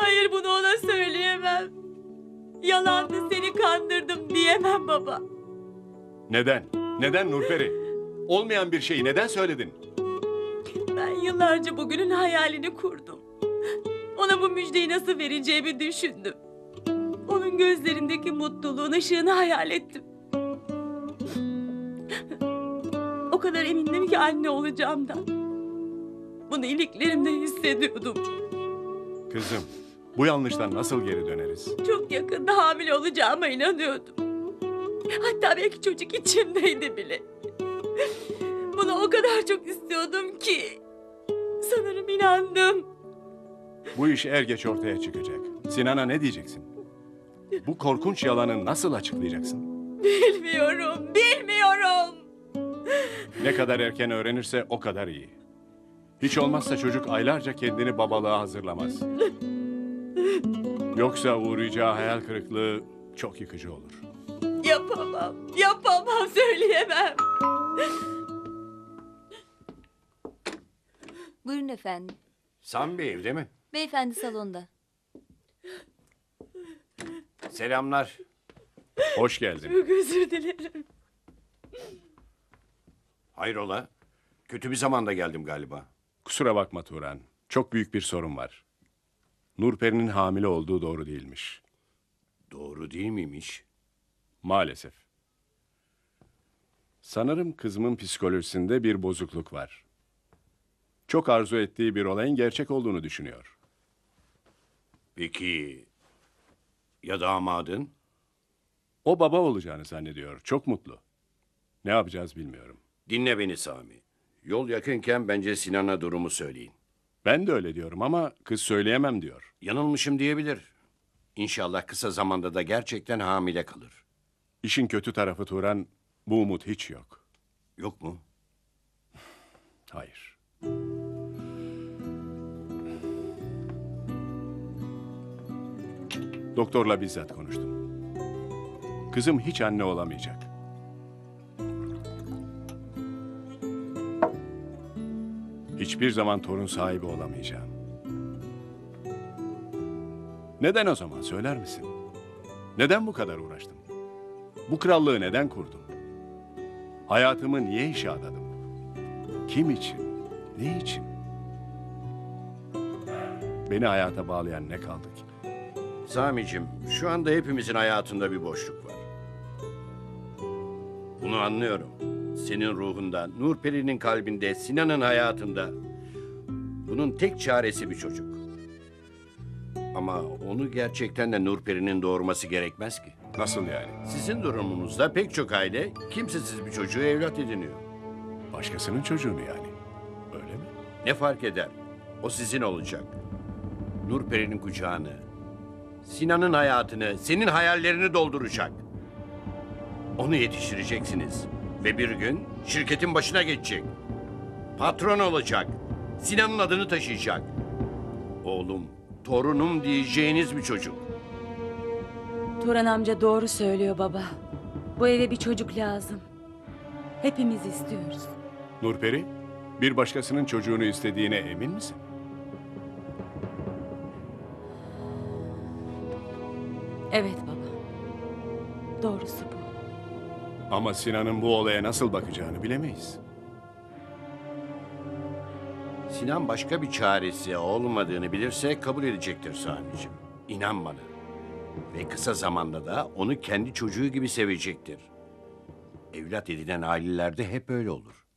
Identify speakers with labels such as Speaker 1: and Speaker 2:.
Speaker 1: Hayır, bunu ona söyleyemem. Yalandı, seni kandırdım diyemem baba.
Speaker 2: Neden? Neden Nurperi? Olmayan bir şeyi neden söyledin?
Speaker 1: Ben yıllarca bugünün hayalini kurdum. Ona bu müjdeyi nasıl vereceğimi düşündüm. Onun gözlerindeki mutluluğun ışığını hayal ettim. O kadar emindim ki anne olacağımdan. Bunu iliklerimde hissediyordum.
Speaker 2: Kızım, bu yanlıştan nasıl geri döneriz?
Speaker 1: Çok yakında hamile olacağıma inanıyordum. Hatta belki çocuk içimdeydi bile. Bunu o kadar çok istiyordum ki sanırım inandım.
Speaker 2: Bu iş er geç ortaya çıkacak. Sinan'a ne diyeceksin? Bu korkunç yalanı nasıl açıklayacaksın?
Speaker 1: Bilmiyorum.
Speaker 2: Ne kadar erken öğrenirse o kadar iyi. Hiç olmazsa çocuk aylarca kendini babalığa hazırlamaz. Yoksa uğrayacağı hayal kırıklığı çok yıkıcı olur.
Speaker 1: Yapamam, söyleyemem.
Speaker 3: Buyurun efendim.
Speaker 4: Sami Bey evde mi?
Speaker 3: Beyefendi salonda.
Speaker 4: Selamlar.
Speaker 2: Hoş geldin.
Speaker 1: Çok özür dilerim.
Speaker 4: Hayrola? Kötü bir zamanda geldim galiba.
Speaker 2: Kusura bakma Turan. Çok büyük bir sorun var. Nurperi'nin hamile olduğu doğru değilmiş.
Speaker 4: Doğru değil miymiş?
Speaker 2: Maalesef. Sanırım kızımın psikolojisinde bir bozukluk var. Çok arzu ettiği bir olayın gerçek olduğunu düşünüyor.
Speaker 4: Peki ya damadın?
Speaker 2: O baba olacağını zannediyor. Çok mutlu. Ne yapacağız bilmiyorum.
Speaker 4: Dinle beni Sami. Yol yakınken bence Sinan'a durumu söyleyin.
Speaker 2: Ben de öyle diyorum ama kız söyleyemem diyor.
Speaker 4: Yanılmışım diyebilir. İnşallah kısa zamanda da gerçekten hamile kalır.
Speaker 2: İşin kötü tarafı Turan, bu umut hiç yok.
Speaker 4: Yok mu?
Speaker 2: Hayır. Doktorla bizzat konuştum. Kızım hiç anne olamayacak. Hiçbir zaman torun sahibi olamayacağım. Neden o zaman söyler misin? Neden bu kadar uğraştım? Bu krallığı neden kurdum? Hayatımı niye işe adadım? Kim için? Ne için? Beni hayata bağlayan ne kaldı ki?
Speaker 4: Sami'cim, şu anda hepimizin hayatında bir boşluk var. Bunu anlıyorum. Senin ruhunda, Nurperi'nin kalbinde, Sinan'ın hayatında. Bunun tek çaresi bir çocuk. Ama onu gerçekten de Nurperi'nin doğurması gerekmez ki.
Speaker 2: Nasıl yani?
Speaker 4: Sizin durumunuzda pek çok aile kimsesiz bir çocuğu evlat ediniyor.
Speaker 2: Başkasının çocuğunu yani. Öyle mi?
Speaker 4: Ne fark eder? O sizin olacak. Nurperi'nin kucağını, Sinan'ın hayatını, senin hayallerini dolduracak. Onu yetiştireceksiniz. Ve bir gün şirketin başına geçecek. Patron olacak. Sinan'ın adını taşıyacak. Oğlum, torunum diyeceğiniz bir çocuk.
Speaker 1: Turan amca doğru söylüyor baba. Bu eve bir çocuk lazım. Hepimiz istiyoruz.
Speaker 2: Nurperi, bir başkasının çocuğunu istediğine emin misin?
Speaker 1: Evet baba. Doğrusu bu.
Speaker 2: Ama Sinan'ın bu olaya nasıl bakacağını bilemeyiz.
Speaker 4: Sinan başka bir çaresi olmadığını bilirse kabul edecektir Sami'ciğim. İnan bana. Ve kısa zamanda da onu kendi çocuğu gibi sevecektir. Evlat edinen ailelerde hep öyle olur.